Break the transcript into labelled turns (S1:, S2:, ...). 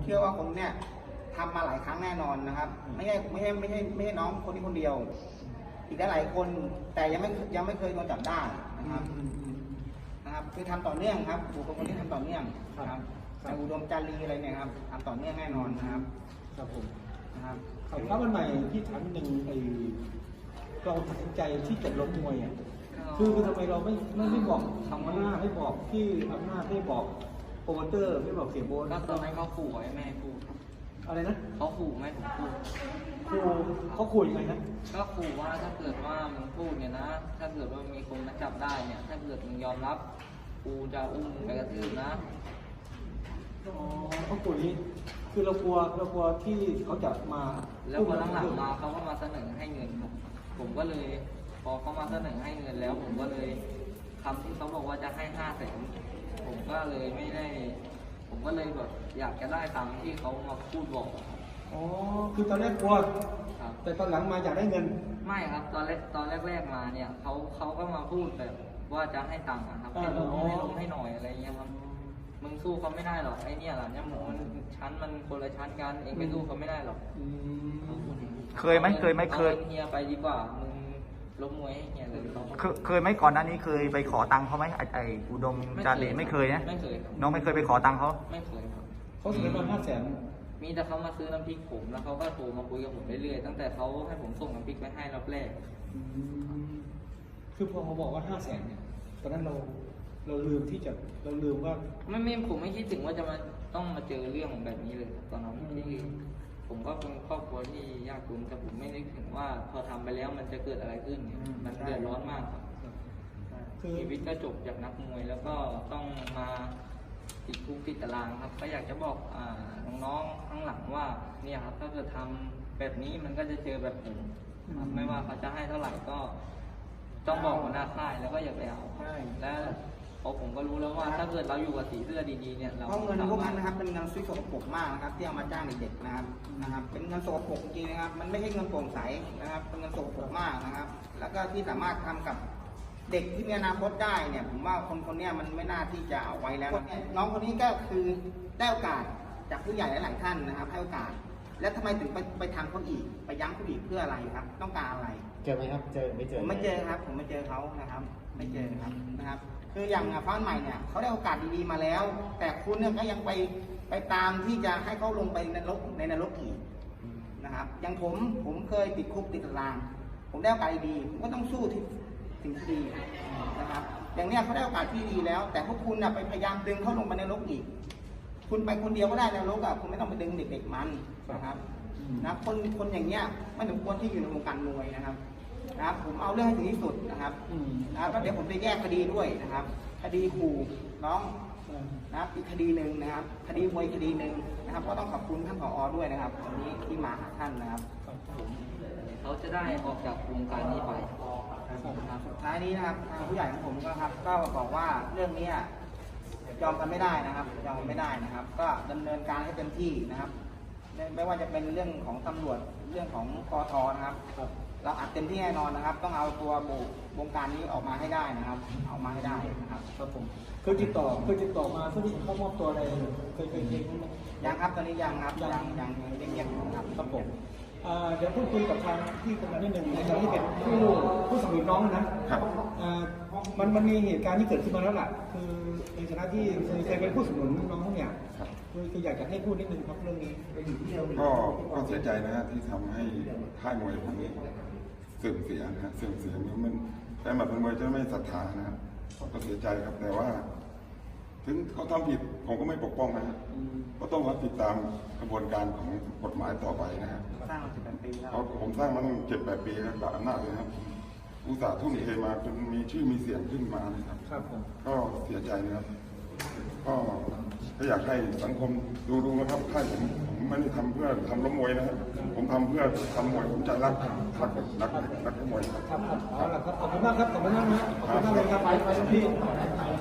S1: เชื่อว่าคงเนี่ยทำมาหลายครั้งแน่นอนนะครับไม่ใช่น้องคนนี้คนเดียว อีกหลายคนแต่ยังไม่เคยโดนจับได้นะครับคือทำต่อเนื่องครับบุคคลคนนี้ทำต่อเนื่องครับแต่อุดมจารีอะไรเนี่ยครับทำต่อเนื่องแน่นอนนะครับ
S2: ครับผม
S1: นะครับ
S2: ครับวันใหม่ที่ถามหนึ่งเราตัดสินใจที่จะล้มมวยอ่ะคือทำไมเราไม่บอกทางหน้าให้บอกที่อำนาจให้บอกโปรโมเตอร์ไม่บอกเสียโบน
S3: ก็ตอนนั้นเขาขู่ไว้แม่พูด
S2: อะไรนะ
S3: เขาขู่ไม่ผมพูด
S2: เขาขู่ยังไงนะ
S3: ก็ขู่ว่าถ้าเกิดว่ามึงพูดเนี่ยนะถ้าเกิดว่ามีคนมาจับได้เนี่ยถ้าเกิดมึงยอมรับกูจะอุ้มไปกระทืบนะ
S2: เขาขู่นี้คือเรากลัวที่เขาจะมา
S3: แล้วพอหลังๆมาเขาก็มาเสนอให้เงินผมก็เลยพอเขามาเสนอให้เงินแล้วผมก็เลยคำที่เขาบอกว่าจะให้500,000ผมก็เลยไม่ได้ผมก็เลยแบบอยากจะได้ตามที่เขามาพูดบอก
S2: อ๋อคือตอนแรกกลัวแต่ตอนหลังมาอยากได้เงิน
S3: ไม่ครับตอนแรกมาเนี่ยเขาก็มาพูดแบบว่าจะให้ตังค์ครับให้ลงให้หน่อยอะไรเงี้ยครับมึงสู้เขาไม่ได้หรอกไอ้เนี่ยหล่ะเนี่ยมันชั้นมันคนละชั้นกันเองไปสู้เขาไม่ได้หรอก
S4: เคยไหมเ
S3: ฮียไปดีกว่ามึงล้มมวยให้เฮียเลย
S4: เคยไหมก่อนหน้านี้เคยไปขอตังค์เขาไหมไอ้อุดมจารีไม่เคยนะ
S3: ไม่เคย
S4: น้องไม่เคยไปขอตังค์เขา
S3: ไม่เคยครับ
S2: เขาเสนอมา500,000
S3: มีแต่เขามาซื้อน้ำพริกผมแล้วเขาก็โทรมาคุยกับผมเรื่อยๆตั้งแต่เขาให้ผมส่งน้ำพริกไปให้รอบแรก
S2: คือพอเขาบอกว่า500,000เนี่ยตอนนั้นเราลืมว่า
S3: ผมไม่คิดถึงว่าจะมาต้องมาเจอเรื่องแบบนี้เลยตอนนั้นที่ผมก็เป็นครอบครัวที่ยากจนแต่ผมไม่นึกถึงว่าพอทำไปแล้วมันจะเกิดอะไรขึ้นมันเดือดร้อนมากครับชีวิตก็จบจากนักมวยแล้วก็ต้องมาติดคุกติดตารางครับก็อยากจะบอกน้องๆข้างหลังว่าเนี่ยครับถ้าเกิดทำแบบนี้มันก็จะเจอแบบผมไม่ว่าเขาจะให้เท่าไหร่ก็ต้องบอกหัวหน้าค่ายแล้วก็อย่าไปเอาและเพราะผมก็รู้แล้วว่าถ้าเกิดเราอยู่กับสีเสื้อดีๆเนี่ยเรา
S1: เพราะเงินพวกนั้นนะครับเป็นเงินสกปรกมากนะครับที่เอามาจ้างเด็กๆนะครับเป็นเงินสกปรกจริงนะครับมันไม่ใช่เงินโปร่งใสนะครับเป็นเงินสกปรกมากนะครับแล้วก็ที่สามารถทำกับเด็กที่มีอนาคตได้เนี่ยผมว่าคนนี้มันไม่น่าที่จะเอาไว้แล้วน้องคนนี้ก็คือได้โอกาสจากผู้ใหญ่หลายๆท่านนะครับให้โอกาสแล้วทำไมถึงไปทำเขาอีกไปย้ำเขาอีกเพื่ออะไรครับต้องการอะไร
S2: เจอไหมครับเจอไม่เจอ
S1: ผมไม่เจอครับผมไม่เจอเขานะครับไม่เจอครับนะครับคืออย่างฟ้าใหม่เนี่ยเขาได้โอกาสดีๆมาแล้วแต่คุณเนี่ยก็ยังไปตามที่จะให้เขาลงไปในนรกอีกนะครับอย่างผมเคยติดคุกติดตารางผมได้โอกาสดีผมก็ต้องสู้ถึงที่ดีนะครับอย่างเนี้ยเขาได้โอกาสที่ดีแล้วแต่พวกคุณไปพยายามดึงเขาลงไปในนรกอีกคุณไปคนเดียวก็ได้ในนรกคุณไม่ต้องไปดึงเด็กๆมันนะครับนะคนอย่างเงี้ยไม่สมควรที่อยู่ในวงการมวยนะครับผมเอาเรื่องให้ถึงที่สุดนะครับแล้วเดี๋ยวผมจะแยกคดีด้วยนะครับคดีขู่น้องนะครับอีกคดีหนึ่งนะครับคดีมวยคดีหนึ่งนะครับก็ต้องขอบคุณท่านผอ.ด้วยนะครับวันนี้ที่มาหาท่านนะครับ
S3: เขาจะได้ออกจากวงการนี้ไป
S1: สุดท้ายนี้นะครับทางผู้ใหญ่ของผมก็บอกว่าเรื่องนี้ยอมกันไม่ได้นะครับยอมกันไม่ได้นะครับก็ดำเนินการให้เต็มที่นะครับไม่ว่าจะเป็นเรื่องของตำรวจเรื่องของกท.นะครับเราอัดเต็มที่แน่นอนนะครับต้องเอาตัววงการนี้ออกมาให้ได้นะครับเอามาให้ได้นะครับ
S2: ครับผมเคยติดต่อมาเพื่อที่จะเข้ามอบตัวอะไรเคย
S1: ยังครับตอนนี้ยังครับยังเงียบๆครับ
S2: ครับผมเดี๋ยวพูดคุยกับทางที่กำลังนิดหนึ่งในฐานะที่เป็นผู้สนับสนุนน้องนะครับมันมีเหตุการณ์ที่เกิดขึ้นมาแล้วล่ะคือในฐานะที่เคยเป็นผู้สนับสนุนน้องเนี่ยคืออยากจะให้พูดนิดนึงครับเรื่องนี้
S5: ก็เสียใจนะฮะที่ทำให้ค่ายมวยผมเสื่อมเสียนะฮะเสื่อมเสียมันแต่หมัดมวยจะไม่ศรัทธานะครับก็เสียใจครับแต่ว่าถึงเขาทำผิดผมก็ไม่ปกป้องนะฮะก็ต้องรับติดตามกระบวนการของกฎหมายต่อไปนะครับ
S1: สร้างมา7-8 ปีแล้ว
S5: ผมสร้างมาตั้ง7-8 ปีครับแบบอำนาจเลยครับอุตสาห์ทุ่มเทมาจนมีชื่อมีเสียงขึ้นมานะครับก็เสียใจนะครับก็อยากให้สังคมดูนะครับค่ายผมไม่ได้ทำเพื่อทำล้มมวยนะครับผมทำเพื่อทำมวยผมใจรักนักมวย
S2: ครับเอาละครับขอบคุณมากครับขอบคุณมากนะขอบคุณมากเลยครับไปที่